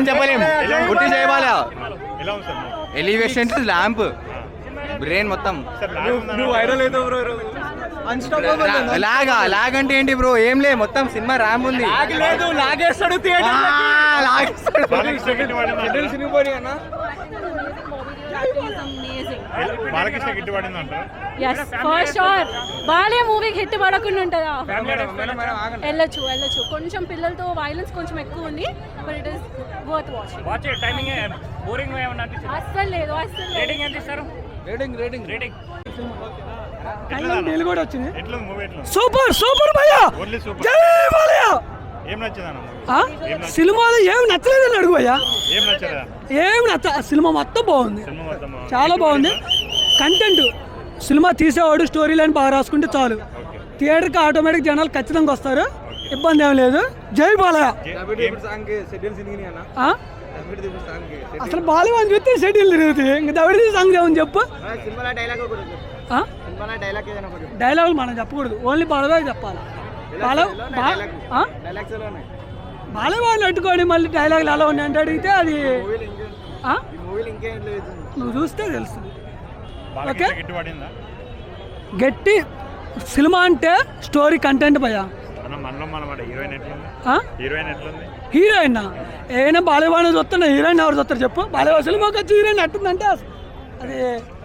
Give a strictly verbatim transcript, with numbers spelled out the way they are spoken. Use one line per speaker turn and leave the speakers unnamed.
చెప్పలేము. గుర్తి చేయబాలా ఎలివేషన్ ల్యాంప్ బ్రెయిన్ మొత్తం లాగా లాగ్ అంటే ఏంటి బ్రో? ఏం లే, మొత్తం సినిమా ర్యాంప్ ఉంది.
లాగేస్తాడు
బాలకృష్ణ హిట్ పడింది అంటారు.
yes for sure. బాలే మూవీకి హిట్ పడకుండా ఉంటుందా? వెళ్ళొచ్చు వెళ్ళొచ్చు కొంచెం పిల్లలతో వైలెన్స్ కొంచెం ఎక్కువ ఉంది, but it is worth watching.
Watch timing boring ఏమన్నా అనిపించింది?
అస్సలు లేదు అస్సలు లేదు.
రేటింగ్ ఎంత ఇస్తారు?
రేటింగ్ రేటింగ్
రేటింగ్
కూడా వచ్చింది. ఎట్లా మూవీ ఎట్లా?
సూపర్ సూపర్ భయ్యా,
ఓన్లీ సూపర్.
జై బాలయ్య.
ఏం నచ్చిందన్న
సినిమాలో ఏం నచ్చలేదని అడుగు భయ్యా.
ఏం నచ్చలేదా?
ఏం నచ్చ సినిమా మొత్తం బాగుంది,
సినిమా మొత్తం
చాలా బాగుంది. కంటెంట్ సినిమా తీసేవాడు స్టోరీ లైన్ బాగా రాసుకుంటే చాలు. థియేటర్కి ఆటోమేటిక్ జనాలు ఖచ్చితంగా వస్తారు, ఇబ్బంది ఏం లేదు. జై బాలయ్య. అసలు బాలయ్య అని చూస్తే షెడ్యూల్ తిరుగుతుంది, ఇంకా దవిడి సాంగ్ ఏమని చెప్పు. డైలాగులు మనం చెప్పకూడదు, ఓన్లీ బాలయ్య చెప్పాలి. బాలయ్య వాడిని అట్టుకోండి, మళ్ళీ డైలాగులు ఎలా ఉన్నాయి అంటే అడిగితే అది నువ్వు చూస్తే తెలుస్తుంది. ఓకే, గట్టి సినిమా అంటే స్టోరీ కంటెంట్ భయ్యా. హీరోయిన్ ఏమైనా బాలయ్య చూస్తున్నా, హీరోయిన్ ఎవరు చూస్తారు చెప్పు? బాలయ్య సినిమాకి వచ్చి హీరోయిన్ అట్టుందంటే అది